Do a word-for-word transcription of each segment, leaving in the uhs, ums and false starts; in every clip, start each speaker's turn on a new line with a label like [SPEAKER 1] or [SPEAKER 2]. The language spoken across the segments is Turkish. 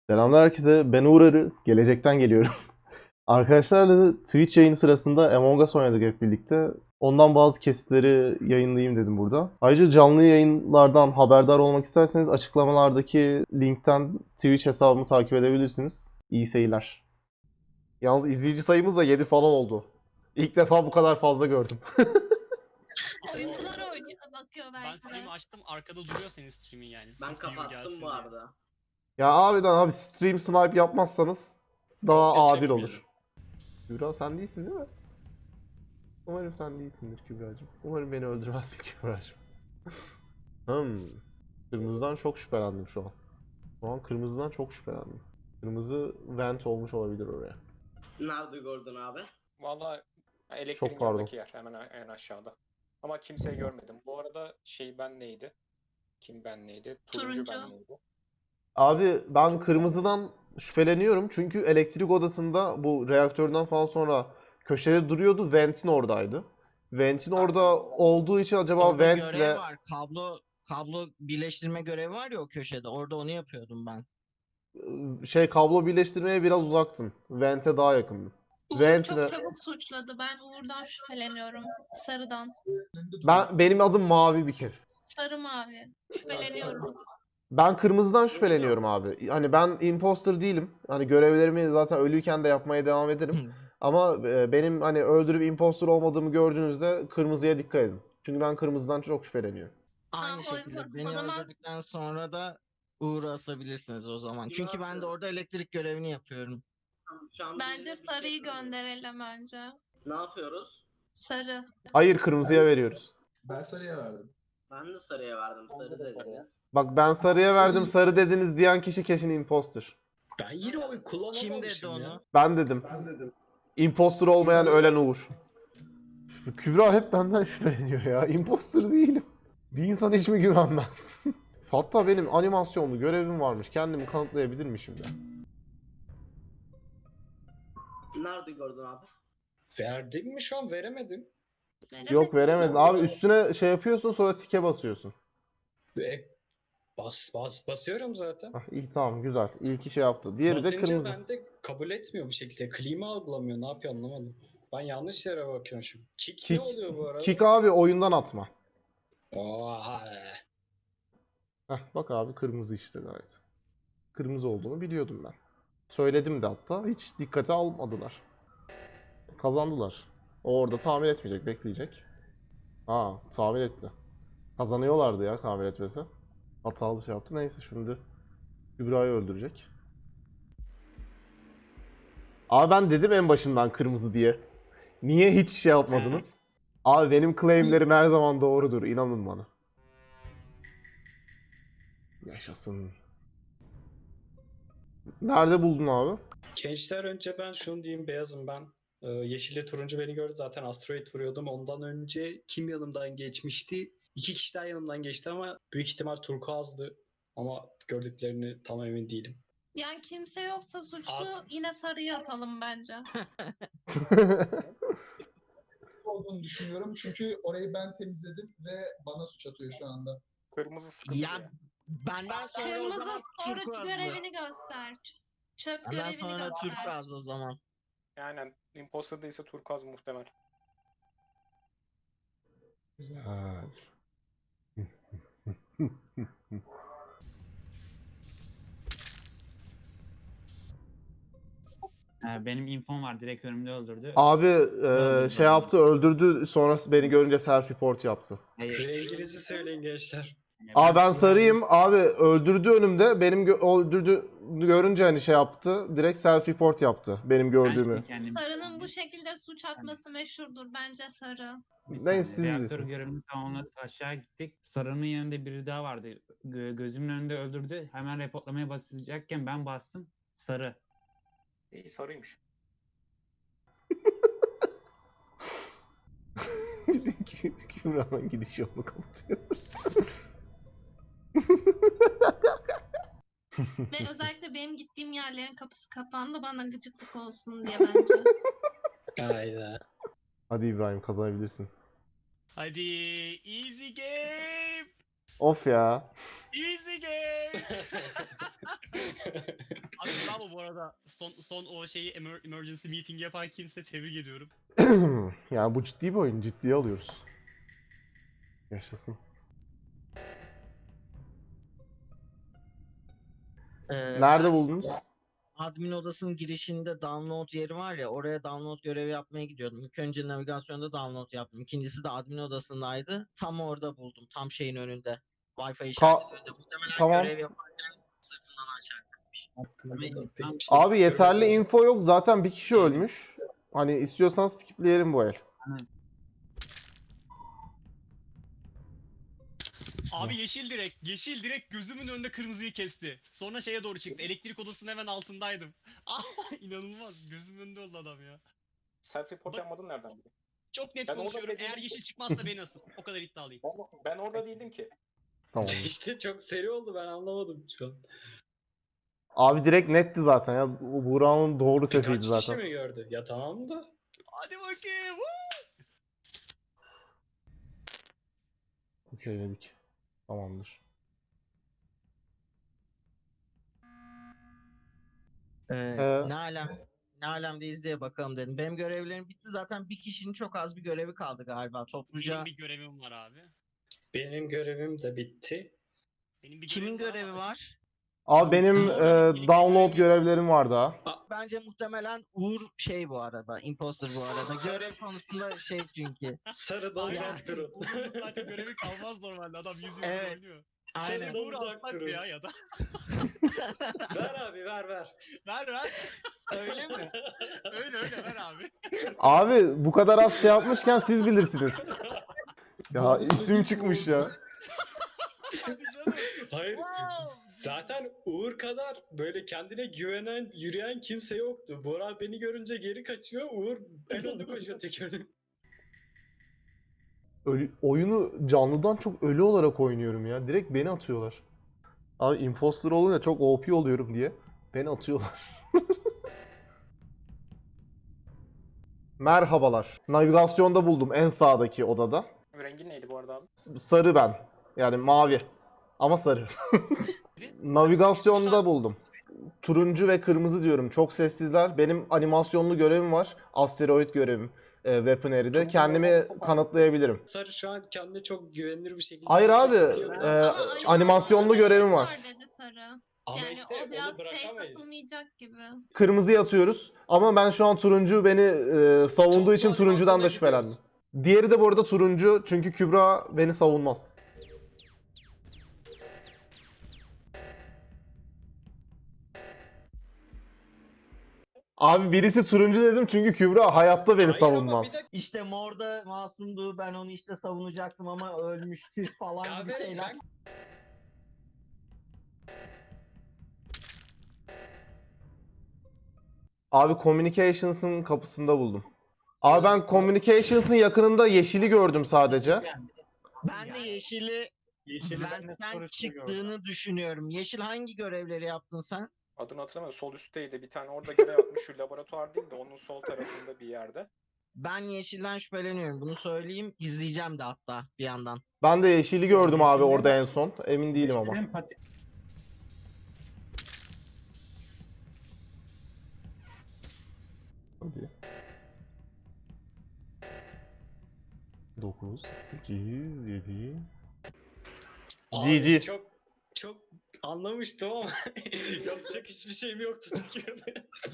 [SPEAKER 1] Selamlar herkese. Ben Uğur Arı. Gelecekten geliyorum. Arkadaşlarla Twitch yayını sırasında Among Us oynadık hep birlikte. Ondan bazı kesitleri yayınlayayım dedim burada. Ayrıca canlı yayınlardan haberdar olmak isterseniz açıklamalardaki linkten Twitch hesabımı takip edebilirsiniz. İyi seyirler. Yalnız izleyici sayımız da yedi falan oldu. İlk defa bu kadar fazla gördüm.
[SPEAKER 2] Oyuncular oynuyor, bakıyor
[SPEAKER 3] Ben
[SPEAKER 2] belki de.
[SPEAKER 3] stream'i açtım, arkada duruyor senin stream'in yani.
[SPEAKER 4] Ben
[SPEAKER 3] Sırf view
[SPEAKER 4] kapattım
[SPEAKER 3] gelsin
[SPEAKER 4] bu
[SPEAKER 3] diye.
[SPEAKER 4] arada.
[SPEAKER 1] Ya abiden abi stream snipe yapmazsanız daha
[SPEAKER 3] Kopya
[SPEAKER 1] adil
[SPEAKER 3] çekmeyelim.
[SPEAKER 1] olur. Kübra sen değilsin değil mi? Umarım sen değilsindir Kübra'cığım. Umarım beni öldürmezsin Kübra'cığım. Hmm. Kırmızıdan çok şüphelendim şu an. Şu an kırmızıdan çok şüphelendim. Kırmızı vent olmuş olabilir oraya.
[SPEAKER 4] Nerede gördün abi?
[SPEAKER 5] Valla
[SPEAKER 1] Çok
[SPEAKER 5] elektriğin
[SPEAKER 1] pardon.
[SPEAKER 5] yanındaki yer hemen en aşağıda. Ama kimseyi görmedim. Bu arada şey ben neydi? Kim ben neydi? Turuncu,
[SPEAKER 2] Turuncu.
[SPEAKER 5] ben neydi?
[SPEAKER 1] Abi ben kırmızıdan şüpheleniyorum çünkü elektrik odasında bu reaktörden falan sonra köşede duruyordu. Vent'in oradaydı. Vent'in orada olduğu için acaba
[SPEAKER 6] Orada
[SPEAKER 1] Vent'le
[SPEAKER 6] görev var. Kablo kablo birleştirme görevi var ya o köşede. Orada onu yapıyordum ben.
[SPEAKER 1] şey kablo birleştirmeye biraz uzaktın. Vent'e daha yakındın.
[SPEAKER 2] Uğur
[SPEAKER 1] Vent'le
[SPEAKER 2] çok çabuk suçladı. Ben Uğur'dan şüpheleniyorum. Sarıdan.
[SPEAKER 1] ben benim adım Mavi bir kere.
[SPEAKER 2] Sarı mavi. Şüpheleniyorum.
[SPEAKER 1] Ben kırmızıdan şüpheleniyorum abi. Hani ben imposter değilim. Hani görevlerimi zaten ölüyken de yapmaya devam ederim. Ama e, benim hani öldürüp imposter olmadığımı gördüğünüzde kırmızıya dikkat edin. Çünkü ben kırmızıdan çok şüpheleniyorum.
[SPEAKER 6] Aynı
[SPEAKER 2] Tamam, o
[SPEAKER 6] şekilde
[SPEAKER 2] yüzden
[SPEAKER 6] beni
[SPEAKER 2] o zaman-
[SPEAKER 6] öldürdükten sonra da Uğur'u asabilirsiniz o zaman. Çünkü ben de orada elektrik görevini yapıyorum.
[SPEAKER 4] Şu an
[SPEAKER 2] Bence
[SPEAKER 4] birine bir şey
[SPEAKER 2] sarıyı
[SPEAKER 4] yapıyorum.
[SPEAKER 2] gönderelim önce.
[SPEAKER 4] Ne yapıyoruz?
[SPEAKER 2] Sarı.
[SPEAKER 1] Hayır, kırmızıya veriyoruz.
[SPEAKER 7] Ben sarıya verdim.
[SPEAKER 4] Ben de sarıya verdim.
[SPEAKER 5] Ben de
[SPEAKER 4] Sarı
[SPEAKER 5] de
[SPEAKER 4] dediniz.
[SPEAKER 5] sarıya.
[SPEAKER 1] Bak ben sarıya verdim, sarı dediniz diyen kişi kesin imposter.
[SPEAKER 5] Ben yine oy kullanamamışım
[SPEAKER 6] Kim dedi onu?
[SPEAKER 5] ya.
[SPEAKER 1] Ben dedim. Imposter olmayan ölen Uğur. Kübra hep benden şüpheleniyor ya. Imposter değilim. Bir insan hiç mi güvenmez? Hatta benim animasyonlu görevim varmış. Kendimi kanıtlayabilir mi şimdi?
[SPEAKER 4] Nerede gördün abi?
[SPEAKER 5] Verdim mi şu an veremedim.
[SPEAKER 1] Yok veremedin. Abi üstüne şey yapıyorsun sonra tike basıyorsun.
[SPEAKER 5] E, bas, bas, basıyorum zaten.
[SPEAKER 1] Hah, iyi tamam güzel. İyi ki şey yaptı. Diğeri de
[SPEAKER 5] Basınca
[SPEAKER 1] kırmızı.
[SPEAKER 5] ben de kabul etmiyor bu şekilde. Klima algılamıyor. Ne yapıyor anlamadım. Ben yanlış yere bakıyorum şimdi. Kick,
[SPEAKER 1] Kick,
[SPEAKER 5] ne oluyor bu arada?
[SPEAKER 1] kick abi oyundan atma.
[SPEAKER 5] Oha.
[SPEAKER 1] Heh, bak abi kırmızı işte gayet. Kırmızı olduğunu biliyordum ben. Söyledim de hatta. Hiç dikkate almadılar. Kazandılar. O orada tamir etmeyecek, bekleyecek. Ha, tamir etti. Kazanıyorlardı ya tamir etmesi. Hatalı şey yaptı. Neyse şimdi Kübra'yı öldürecek. Abi ben dedim en başından kırmızı diye. Niye hiç şey yapmadınız? Abi benim claimlerim her zaman doğrudur. İnanın bana. Yaşasın. Nerede buldun abi?
[SPEAKER 5] Gençler önce ben şunu diyeyim beyazım ben. Ee, yeşille turuncu beni gördü zaten asteroid vuruyordum. Ondan önce kim yanımdan geçmişti? İki kişi daha yanımdan geçti ama büyük ihtimal turkuazdı. Ama gördüklerini tam emin değilim.
[SPEAKER 2] Yani kimse yoksa suçlu
[SPEAKER 5] At.
[SPEAKER 2] yine sarıya atalım bence.
[SPEAKER 7] Olduğunu düşünüyorum çünkü orayı ben temizledim ve bana suç atıyor şu anda.
[SPEAKER 5] Kırmızı sıkıntı.
[SPEAKER 6] Ya benden sonra o
[SPEAKER 2] Kırmızı
[SPEAKER 6] zaman
[SPEAKER 2] storage
[SPEAKER 6] turkuazlı.
[SPEAKER 2] görevini göster. Ç- Çöp
[SPEAKER 6] Benden
[SPEAKER 2] görevini
[SPEAKER 6] sonra
[SPEAKER 2] göster.
[SPEAKER 6] turkuazlı o zaman.
[SPEAKER 5] Yani imposter değilse turkuaz muhtemel.
[SPEAKER 1] Güzel.
[SPEAKER 8] Ee, Benim infom var. Direkt önümde öldürdü.
[SPEAKER 1] Abi e,
[SPEAKER 8] Öldürdü,
[SPEAKER 1] şey
[SPEAKER 8] öldürdü.
[SPEAKER 1] yaptı, öldürdü. Sonrası beni görünce self report yaptı.
[SPEAKER 8] Hayır.
[SPEAKER 5] Renginizi söyleyin gençler.
[SPEAKER 8] Yani
[SPEAKER 1] Aa ben
[SPEAKER 8] Kübra'yı-
[SPEAKER 1] sarıyım. Abi öldürdü önümde. Benim gö- öldürdü görünce hani şey yaptı. Direkt self report yaptı benim
[SPEAKER 8] Ben
[SPEAKER 1] gördüğümü.
[SPEAKER 8] kendim-
[SPEAKER 2] Sarının bu şekilde suç atması meşhurdur. Bence sarı.
[SPEAKER 8] Bir
[SPEAKER 1] Neyse,
[SPEAKER 8] saniye,
[SPEAKER 1] siz
[SPEAKER 8] reaktör
[SPEAKER 1] bilirsiniz.
[SPEAKER 8] görevini tamamladık. Aşağı gittik. Sarının yanında biri daha vardı. Gö- gözümün önünde öldürdü. Hemen reportlamaya basacakken ben bastım. Sarı.
[SPEAKER 5] İyi sarıymış.
[SPEAKER 1] Kübra'nın gidiş yolunu kapatıyor.
[SPEAKER 2] Ve özellikle benim gittiğim yerlerin kapısı kapandı. Bana gıcıklık olsun diye bence.
[SPEAKER 5] Hayda.
[SPEAKER 1] Hadi İbrahim kazanabilirsin.
[SPEAKER 3] Hadi easy game.
[SPEAKER 1] Of ya.
[SPEAKER 3] Easy game. Abi bravo bu arada. Son son o şeyi emer- emergency meeting yapan kimse tebrik ediyorum.
[SPEAKER 1] Yani bu ciddi bir oyun. Ciddiye alıyoruz. Yaşasın.
[SPEAKER 6] Ee,
[SPEAKER 1] Nerede
[SPEAKER 6] ben
[SPEAKER 1] buldunuz?
[SPEAKER 6] admin odasının girişinde download yeri var ya, oraya download görevi yapmaya gidiyordum. İlk önce navigasyonda download yaptım. İkincisi de admin odasındaydı. Tam orada buldum. Tam şeyin önünde. Wi-Fi işaretinin önünde. Muhtemelen
[SPEAKER 1] tamam.
[SPEAKER 6] görev yaparken sırtından açar.
[SPEAKER 5] Aklımda pek bir şey
[SPEAKER 1] Abi yeterli
[SPEAKER 5] görmedim.
[SPEAKER 1] info yok. Zaten bir kişi ölmüş. Hani istiyorsan skipleyelim bu el.
[SPEAKER 3] Abi yeşil direkt, yeşil direkt gözümün önünde kırmızıyı kesti. Sonra şeye doğru çıktı. Elektrik odasının hemen altındaydım. Ah, inanılmaz. Gözümün önünde oldu adam ya.
[SPEAKER 9] Self report
[SPEAKER 3] Bak-
[SPEAKER 9] yapmadın nereden biliyorsun?
[SPEAKER 3] Çok net
[SPEAKER 9] Ben orada
[SPEAKER 3] konuşuyorum.
[SPEAKER 9] bile
[SPEAKER 3] Eğer
[SPEAKER 9] değilim
[SPEAKER 3] yeşil
[SPEAKER 9] ki.
[SPEAKER 3] çıkmazsa beni asın. O kadar iddialıyım.
[SPEAKER 9] Ben, ben orada değildim ki.
[SPEAKER 1] Tamam.
[SPEAKER 5] İşte çok seri oldu, ben anlamadım şu an.
[SPEAKER 1] Abi direkt netti zaten ya. Bu- Buğra'nın doğru sesiydi
[SPEAKER 5] Birkaç kişi
[SPEAKER 1] zaten.
[SPEAKER 5] mi gördü? Ya tamam da.
[SPEAKER 3] Hadi bakayım. Woo!
[SPEAKER 1] Okeyledik. Tamamdır.
[SPEAKER 6] Ee,
[SPEAKER 1] Ee,
[SPEAKER 6] ne alem? Ne alemde izleye bakalım dedim. Benim görevlerim bitti zaten. Bir kişinin çok az bir görevi kaldı galiba. Topluca
[SPEAKER 3] Benim bir görevim var abi.
[SPEAKER 5] Benim görevim de bitti.
[SPEAKER 3] Benim bir
[SPEAKER 6] kimin
[SPEAKER 3] görevim var
[SPEAKER 6] görevi
[SPEAKER 3] ama-
[SPEAKER 6] var?
[SPEAKER 1] Abi benim
[SPEAKER 3] Orada
[SPEAKER 1] e,
[SPEAKER 3] birlikte
[SPEAKER 1] download
[SPEAKER 3] görev-
[SPEAKER 1] görevlerim var daha.
[SPEAKER 6] Bence muhtemelen Uğur şey bu arada. Imposter bu arada. Görev konusunda şey çünkü.
[SPEAKER 5] Sarıdan
[SPEAKER 3] Aynen.
[SPEAKER 5] uzak durun.
[SPEAKER 3] Uğur'un zaten görevi kalmaz normalde. Adam yüz yüz
[SPEAKER 6] Evet.
[SPEAKER 3] oynuyor.
[SPEAKER 6] Aynen.
[SPEAKER 5] Sarıdan
[SPEAKER 3] Uğur
[SPEAKER 5] uzak
[SPEAKER 3] alsak mı
[SPEAKER 5] durun.
[SPEAKER 3] ya ya da?
[SPEAKER 5] Ver abi, ver ver.
[SPEAKER 3] Ver ver.
[SPEAKER 6] Öyle mi?
[SPEAKER 3] Öyle öyle ver abi.
[SPEAKER 1] Abi bu kadar az şey yapmışken siz bilirsiniz. Ya ismim çıkmış ya.
[SPEAKER 3] Hadi canım.
[SPEAKER 5] Hayır. Zaten Uğur kadar böyle kendine güvenen, yürüyen kimse yoktu. Bora beni görünce geri kaçıyor. Uğur en önde koşuyor tükürdü.
[SPEAKER 1] Ölü- oyunu canlıdan çok ölü olarak oynuyorum ya. Direkt beni atıyorlar. Abi imposter olunca çok O P oluyorum diye beni atıyorlar. Merhabalar. Navigasyonda buldum en sağdaki odada.
[SPEAKER 9] Rengin neydi bu arada abi?
[SPEAKER 1] S- Sarı ben. Yani mavi. Ama sarı. Navigasyonda buldum. Turuncu ve kırmızı diyorum. Çok sessizler. Benim animasyonlu görevim var. Asteroid görevim. E, Weaponary'de. Kendimi kanıtlayabilirim.
[SPEAKER 5] Sarı şu an kendine çok güvenilir bir şekilde.
[SPEAKER 1] Hayır abi,
[SPEAKER 5] yapıyor.
[SPEAKER 1] e,
[SPEAKER 2] Ama animasyonda
[SPEAKER 1] animasyonlu görevim var.
[SPEAKER 2] dedi Sarı.
[SPEAKER 5] Ama
[SPEAKER 2] Yani
[SPEAKER 5] işte
[SPEAKER 2] o biraz
[SPEAKER 5] onu
[SPEAKER 2] fake
[SPEAKER 5] bırakamayız.
[SPEAKER 2] atılmayacak gibi.
[SPEAKER 1] Kırmızıya atıyoruz. Ama ben şu an turuncu beni e, savunduğu
[SPEAKER 5] Toplu
[SPEAKER 1] için turuncudan da
[SPEAKER 5] animasyona
[SPEAKER 1] şüphelendim.
[SPEAKER 5] gidiyoruz.
[SPEAKER 1] Diğeri de bu arada turuncu çünkü Kübra beni savunmaz. Abi birisi turuncu dedim çünkü Kübra hayatta beni
[SPEAKER 5] Hayır ama
[SPEAKER 1] savunmaz.
[SPEAKER 5] bir dakika.
[SPEAKER 6] İşte Mor'da masumdu. Ben onu işte savunacaktım ama ölmüştü falan gibi
[SPEAKER 5] Kahve,
[SPEAKER 6] şeyler.
[SPEAKER 5] ben-
[SPEAKER 1] Abi Communications'ın kapısında buldum. Abi ben Communications'ın yakınında yeşili gördüm sadece.
[SPEAKER 6] Ben de Yeşil'i benden çıktığını düşünüyorum. Yeşil hangi görevleri yaptın sen?
[SPEAKER 9] Adını hatırlamıyorum. Sol üstteydi. Bir tane orada görev yapmış. Şu laboratuvar değil de onun sol tarafında bir yerde.
[SPEAKER 6] Ben Yeşil'den şüpheleniyorum. Bunu söyleyeyim. İzleyeceğim de hatta bir yandan.
[SPEAKER 1] Ben de yeşili gördüm abi
[SPEAKER 8] Yeşilin-
[SPEAKER 1] orada en son. Emin değilim ama.
[SPEAKER 8] Yeşilin pati-
[SPEAKER 1] Hadi. dokuz, sekiz, yedi.
[SPEAKER 5] Abi
[SPEAKER 1] G G.
[SPEAKER 5] Çok çok anlamıştım ama yapacak hiçbir şeyim yoktu tükürdü.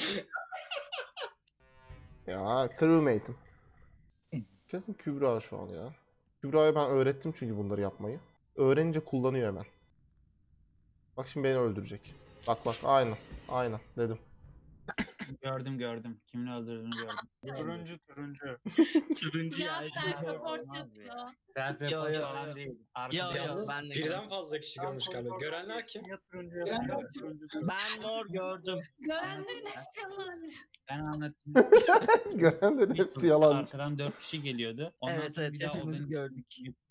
[SPEAKER 1] Ya crewmate'im. Kesin Kübra şu an ya. Kübra'ya ben öğrettim çünkü bunları yapmayı. Öğrenince kullanıyor hemen. Bak şimdi beni öldürecek. Bak bak aynen. Aynen dedim.
[SPEAKER 8] Gördüm gördüm. Kimin öldürdüğünü gördüm.
[SPEAKER 10] Turuncu turuncu.
[SPEAKER 6] Turuncu
[SPEAKER 2] Ya
[SPEAKER 6] ya.
[SPEAKER 2] self report
[SPEAKER 8] Olmaz
[SPEAKER 2] yapıyor.
[SPEAKER 8] Self
[SPEAKER 6] Yo,
[SPEAKER 8] report
[SPEAKER 6] yo,
[SPEAKER 8] falan
[SPEAKER 6] yo.
[SPEAKER 8] değil.
[SPEAKER 6] Yo,
[SPEAKER 8] Arkada
[SPEAKER 6] yo,
[SPEAKER 5] Yalnız
[SPEAKER 6] ben de
[SPEAKER 5] birden
[SPEAKER 6] gördüm.
[SPEAKER 5] fazla kişi görmüş galiba. Görenler kim?
[SPEAKER 10] Ya turuncu
[SPEAKER 7] Ben-
[SPEAKER 10] ya turuncu.
[SPEAKER 6] Ben Mor gördüm.
[SPEAKER 2] Görenlerin hepsi yalancı.
[SPEAKER 8] ben anlatayım.
[SPEAKER 1] Görenlerin hepsi yalan.
[SPEAKER 8] Arkadan dört kişi geliyordu. Ondan
[SPEAKER 6] Evet
[SPEAKER 8] sonra
[SPEAKER 6] evet
[SPEAKER 8] bir daha
[SPEAKER 6] hepimiz
[SPEAKER 8] odanın
[SPEAKER 6] gördük.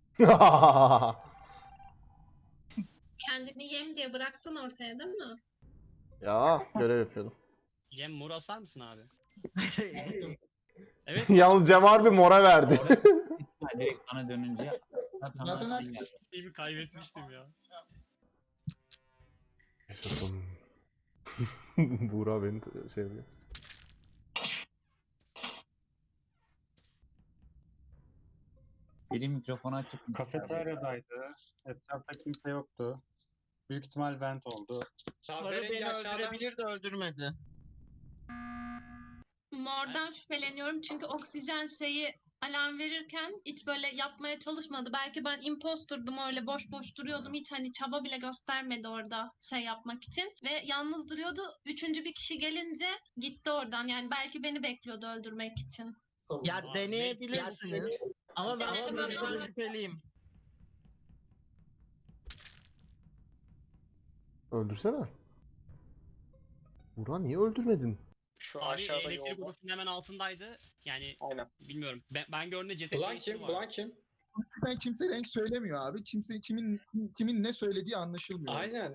[SPEAKER 2] Kendini yem diye bıraktın ortaya değil mi?
[SPEAKER 1] Ya görev yapıyordum.
[SPEAKER 3] Cem mor asar mısın abi? Evet.
[SPEAKER 1] Yalnız Cem harbi mora verdi.
[SPEAKER 8] Ha, direkt bana dönünce zaten
[SPEAKER 7] Zaten
[SPEAKER 8] ben-
[SPEAKER 3] Şeyimi kaybetmiştim ya.
[SPEAKER 1] Yaşasın. Buğra beni t- şey yapıyor.
[SPEAKER 8] Biri mikrofonu açık.
[SPEAKER 10] Kafeteryadaydı. Etrafta kimse yoktu. Büyük ihtimal vent oldu.
[SPEAKER 6] Sarı
[SPEAKER 5] Kahverengi
[SPEAKER 6] beni
[SPEAKER 5] aşağıdan-
[SPEAKER 6] öldürebilir de öldürmedi.
[SPEAKER 2] Mor'dan şüpheleniyorum çünkü oksijen şeyi alarm verirken hiç böyle yapmaya çalışmadı. Belki ben imposturdum, öyle boş boş duruyordum. Hiç hani çaba bile göstermedi orada şey yapmak için. Ve yalnız duruyordu. Üçüncü bir kişi gelince gitti oradan. Yani belki beni bekliyordu öldürmek için.
[SPEAKER 6] Ya
[SPEAKER 3] Abi,
[SPEAKER 6] deneyebilirsiniz. Ama ben
[SPEAKER 2] Denedim
[SPEAKER 6] ama ben
[SPEAKER 2] ama-
[SPEAKER 6] şüpheliyim.
[SPEAKER 1] Öldürsene. Buğra niye öldürmedin?
[SPEAKER 9] Şu
[SPEAKER 3] Abi
[SPEAKER 9] aşağıda
[SPEAKER 3] elektrik
[SPEAKER 9] yolda.
[SPEAKER 3] odasının hemen altındaydı. Yani
[SPEAKER 9] Aynen.
[SPEAKER 3] bilmiyorum. Ben, ben gördüğümde ceset
[SPEAKER 5] Bulan
[SPEAKER 3] değişimi
[SPEAKER 5] kim?
[SPEAKER 3] var.
[SPEAKER 5] Bulan kim?
[SPEAKER 7] Ben kimse renk söylemiyor abi. Kimse kimin kimin ne söylediği anlaşılmıyor.
[SPEAKER 5] Aynen.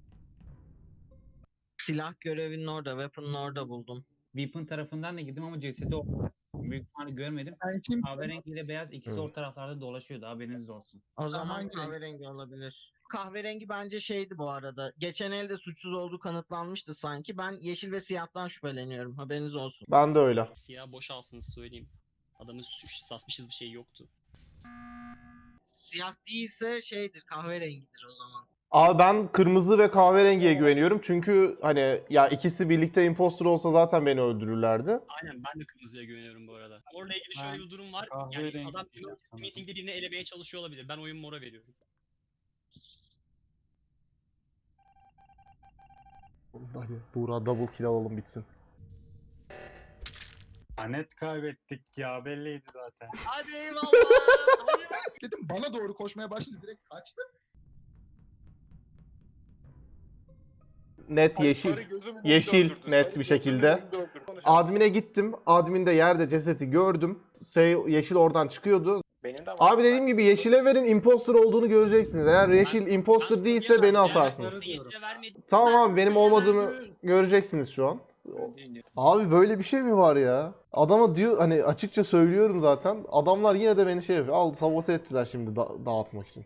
[SPEAKER 6] Silah görevinin orada, weapon'ın orada buldum.
[SPEAKER 8] Weapon tarafından da girdim ama cesedi o. Büyük ihtimalle görmedim.
[SPEAKER 7] Ben kim
[SPEAKER 8] Kahverengi ile beyaz ikisi
[SPEAKER 1] Evet.
[SPEAKER 8] o taraflarda dolaşıyordu. Haberiniz olsun.
[SPEAKER 6] O zaman
[SPEAKER 7] hangi renk?
[SPEAKER 6] kahverengi olabilir. Kahverengi bence şeydi bu arada. Geçen elde suçsuz olduğu kanıtlanmıştı sanki. Ben yeşil ve siyahtan şüpheleniyorum. Haberiniz olsun.
[SPEAKER 1] Ben de öyle.
[SPEAKER 3] Siyah boşalsın söyleyeyim. Adamın suç sasmışız bir şey yoktu.
[SPEAKER 6] Siyah değilse şeydir, kahverengidir o zaman.
[SPEAKER 1] Abi ben kırmızı ve kahverengiye güveniyorum. Çünkü hani ya ikisi birlikte imposter olsa zaten beni öldürürlerdi.
[SPEAKER 3] Aynen, ben de kırmızıya güveniyorum bu arada. Mor'la ilgili şöyle
[SPEAKER 10] Ben
[SPEAKER 3] bir durum var. Yani
[SPEAKER 10] kahverengi
[SPEAKER 3] adam
[SPEAKER 10] diyeceğim sanırım.
[SPEAKER 3] meetingde birini elemeye çalışıyor olabilir. Ben oyun Mor'a veriyorum.
[SPEAKER 1] Hadi Buğra double kill alalım bitsin.
[SPEAKER 10] Net kaybettik ya, belliydi zaten.
[SPEAKER 6] Hadi eyvallah.
[SPEAKER 7] dedim bana doğru koşmaya başladı, direkt kaçtım.
[SPEAKER 1] Net yeşil. Yeşil net bir şekilde. Admin'e gittim. Admin'de yerde cesedi gördüm. Şey, yeşil oradan çıkıyordu.
[SPEAKER 9] Benim de var.
[SPEAKER 1] Abi dediğim gibi yeşile verin, imposter olduğunu göreceksiniz. Eğer yeşil imposter
[SPEAKER 3] Ben
[SPEAKER 1] değilse
[SPEAKER 3] sarıya
[SPEAKER 1] beni
[SPEAKER 3] verdim.
[SPEAKER 1] asarsınız.
[SPEAKER 3] Ben yeşile vermedim.
[SPEAKER 1] Tamam
[SPEAKER 2] Ben
[SPEAKER 1] abi benim
[SPEAKER 2] sarıya
[SPEAKER 1] olmadığımı
[SPEAKER 2] verdim.
[SPEAKER 1] göreceksiniz şu an. Abi böyle bir şey mi var ya? Adama diyor hani açıkça söylüyorum zaten. Adamlar yine de beni şey yapıyor. Al sabote ettiler şimdi da- dağıtmak için.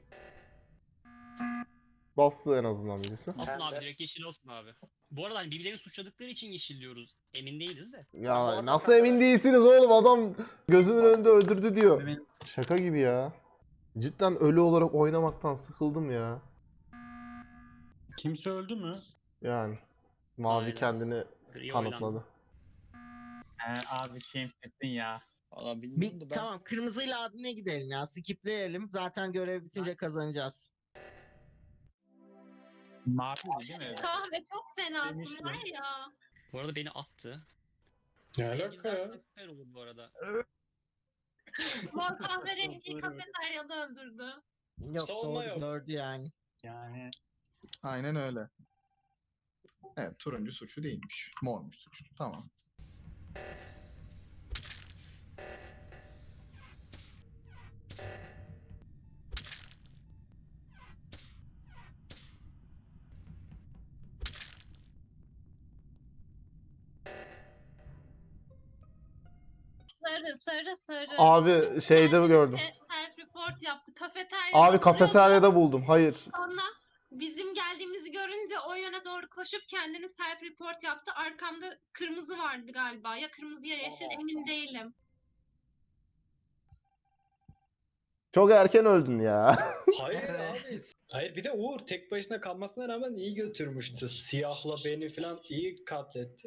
[SPEAKER 1] Bastı en azından birisi.
[SPEAKER 3] Olsun
[SPEAKER 9] Ben
[SPEAKER 3] abi,
[SPEAKER 9] de-
[SPEAKER 3] direkt yeşil olsun abi. Bu arada hani birbirlerini suçladıkları için yeşil diyoruz. Emin değiliz de.
[SPEAKER 1] Ya nasıl emin değilsiniz oğlum, adam gözümün önünde öldürdü diyor.
[SPEAKER 8] Benim-
[SPEAKER 1] Şaka gibi ya. Cidden ölü olarak oynamaktan sıkıldım ya.
[SPEAKER 10] Kimse öldü mü?
[SPEAKER 1] Yani mavi
[SPEAKER 3] Aynen.
[SPEAKER 1] kendini
[SPEAKER 3] Gri
[SPEAKER 1] kanıtladı.
[SPEAKER 3] oylandı.
[SPEAKER 8] Ee, abi Şemsettin ya.
[SPEAKER 3] Valla
[SPEAKER 6] Bir,
[SPEAKER 3] bilmiyorum da ben...
[SPEAKER 6] tamam, kırmızıyla admine gidelim ya. Skipleyelim. Zaten görev bitince kazanacağız.
[SPEAKER 8] Mavi değil mi?
[SPEAKER 2] Kahve çok fenasın
[SPEAKER 10] Demiştim.
[SPEAKER 2] var ya.
[SPEAKER 3] Bu arada beni attı.
[SPEAKER 5] Ne alaka ya?
[SPEAKER 3] Gizlersen süper olur bu arada.
[SPEAKER 2] Mor kahverengiyi kafeteryada öldürdü.
[SPEAKER 6] Yok,
[SPEAKER 5] Savunma
[SPEAKER 6] doğru
[SPEAKER 5] yok.
[SPEAKER 6] gördü yani.
[SPEAKER 10] Yani
[SPEAKER 7] Aynen öyle. Evet, turuncu suçlu değilmiş. Mormuş suçlu. Tamam.
[SPEAKER 2] Sarı sarı sarı.
[SPEAKER 1] Abi şeyde
[SPEAKER 2] Kendisi
[SPEAKER 1] gördüm.
[SPEAKER 2] Self report yaptı. Kafeteryada
[SPEAKER 1] Abi
[SPEAKER 2] duruyordu.
[SPEAKER 1] kafeteryada buldum. Hayır.
[SPEAKER 2] Sonra bizim geldiğimizi görünce o yöne doğru koşup kendini self report yaptı. Arkamda kırmızı vardı galiba. Ya kırmızı ya yeşil, emin değilim.
[SPEAKER 1] Çok erken öldün ya.
[SPEAKER 5] Hayır abi. Hayır, bir de Uğur tek başına kalmasına rağmen iyi götürmüştü. Siyahla beni falan iyi katletti.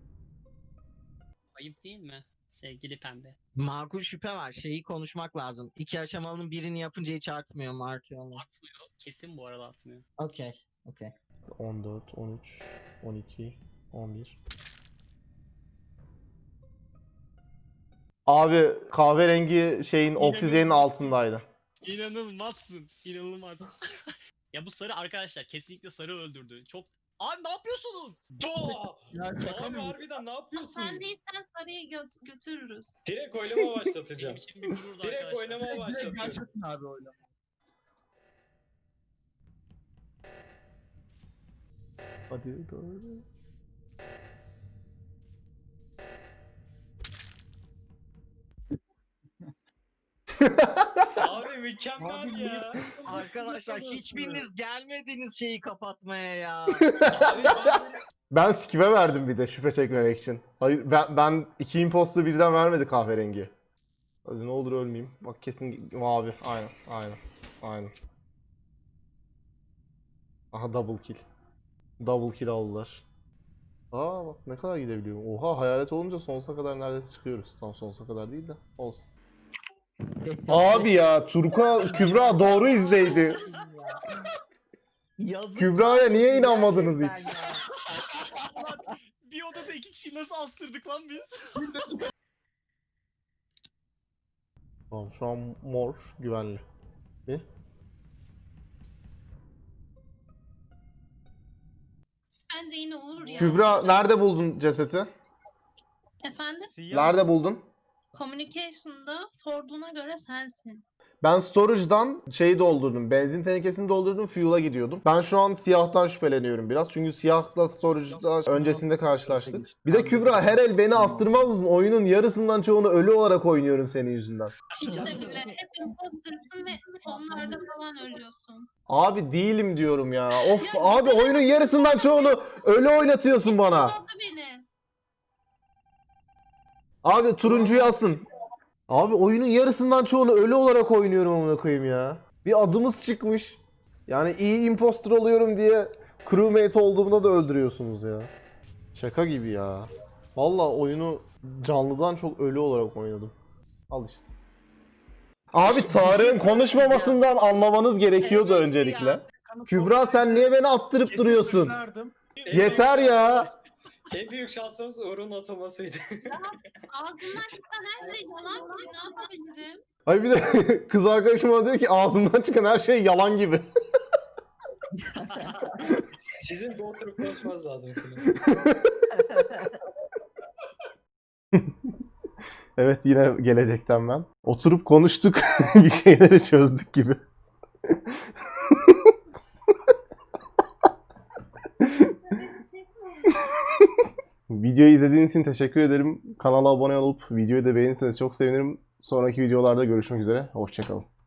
[SPEAKER 3] Ayıp değil mi? Sevgili pembe.
[SPEAKER 6] Makul şüphe var. Şeyi konuşmak lazım. İki aşamalının birini yapınca hiç artmıyor mu, artıyor mu?
[SPEAKER 3] Atmıyor. Kesin bu arada atmıyor.
[SPEAKER 6] Okey. Okey.
[SPEAKER 1] on dört, on üç, on iki, on bir. Abi kahverengi şeyin oksijenin altındaydı.
[SPEAKER 3] İnanılmazsın. İnanılmaz. Ya bu sarı arkadaşlar kesinlikle sarı öldürdü. Çok... Abi ne yapıyorsunuz?
[SPEAKER 5] Doğa!
[SPEAKER 7] Ya şaka
[SPEAKER 5] Abi
[SPEAKER 7] mı?
[SPEAKER 5] harbiden ne yapıyorsunuz?
[SPEAKER 2] Sen değilsen sarıyı gö- götürürüz.
[SPEAKER 5] Direkt oylama başlatacağım.
[SPEAKER 3] Benim için bir gururdu
[SPEAKER 5] Direkt
[SPEAKER 3] arkadaşlar.
[SPEAKER 5] oynama
[SPEAKER 7] Direkt
[SPEAKER 5] başlatıyorum.
[SPEAKER 7] gerçekten abi oynama.
[SPEAKER 1] Hadi doğru.
[SPEAKER 5] Abi mükemmel
[SPEAKER 6] Abi
[SPEAKER 5] ya.
[SPEAKER 6] Arkadaşlar hiçbiriniz gelmediniz şeyi kapatmaya ya.
[SPEAKER 5] Abi ben
[SPEAKER 1] Ben skip'e verdim bir de şüphe çekmemek için. Hayır ben, ben iki imposter birden vermedi kahverengi. Hadi ne olur ölmeyeyim. Bak kesin mavi. Aynen aynen. Aynen. Aha double kill. Double kill aldılar. Aa bak ne kadar gidebiliyorum. Oha hayalet olunca sonsuza kadar neredeyse çıkıyoruz. Tam sonsuza kadar değil de olsun. Abi ya Turka Kübra doğru izleydi.
[SPEAKER 6] Yazık
[SPEAKER 1] Kübra'ya
[SPEAKER 6] lan,
[SPEAKER 1] niye inanmadınız
[SPEAKER 6] gerçekten
[SPEAKER 1] hiç?
[SPEAKER 6] ya.
[SPEAKER 3] Lan bir odada iki kişiyi nasıl astırdık lan biz?
[SPEAKER 1] Tamam şu an mor güvenli. Bir.
[SPEAKER 2] Bence yine Uğur ya.
[SPEAKER 1] Kübra nerede buldun cesedi?
[SPEAKER 2] Efendim?
[SPEAKER 1] Nerede buldun?
[SPEAKER 2] Communication'da sorduğuna göre sensin.
[SPEAKER 1] Ben storage'dan şeyi doldurdum. Benzin tenekesini doldurdum. Fuel'a gidiyordum. Ben şu an siyahtan şüpheleniyorum biraz. Çünkü siyahla storage'da öncesinde karşılaştık. Bir de Kübra her el beni astırmaz mısın? Oyunun yarısından çoğunu ölü olarak oynuyorum senin yüzünden.
[SPEAKER 2] Hiç de bile. Hep imposter'sın ve sonlarda falan ölüyorsun.
[SPEAKER 1] Abi değilim diyorum ya. Of abi oyunun yarısından çoğunu ölü oynatıyorsun bana.
[SPEAKER 2] Oldu beni.
[SPEAKER 1] Abi turuncuyu asın. Abi oyunun yarısından çoğunu ölü olarak oynuyorum amına koyayım ya. Bir adımız çıkmış. Yani iyi imposter oluyorum diye crewmate olduğumda da öldürüyorsunuz ya. Şaka gibi ya. Vallahi oyunu canlıdan çok ölü olarak oynadım. Al işte. Abi Tarık'ın konuşmamasından anlamanız gerekiyordu
[SPEAKER 6] Evet
[SPEAKER 1] öncelikle.
[SPEAKER 6] ya.
[SPEAKER 1] Kübra sen niye beni attırıp duruyorsun? Yeter ya.
[SPEAKER 5] en büyük şansımız Uğur'un atılmasıydı.
[SPEAKER 2] Ağzından çıkan her şey yalan gibi ne yapabilirim?
[SPEAKER 1] Ay bir de kız arkadaşım bana diyor ki ağzından çıkan her şey yalan gibi.
[SPEAKER 5] Sizin bir oturup konuşmanız lazım şimdi.
[SPEAKER 1] Evet yine gelecekten ben. Oturup konuştuk. Bir şeyleri çözdük gibi. Videoyu izlediğiniz için teşekkür ederim. Kanala abone olup videoyu da beğenirseniz çok sevinirim. Sonraki videolarda görüşmek üzere. Hoşçakalın.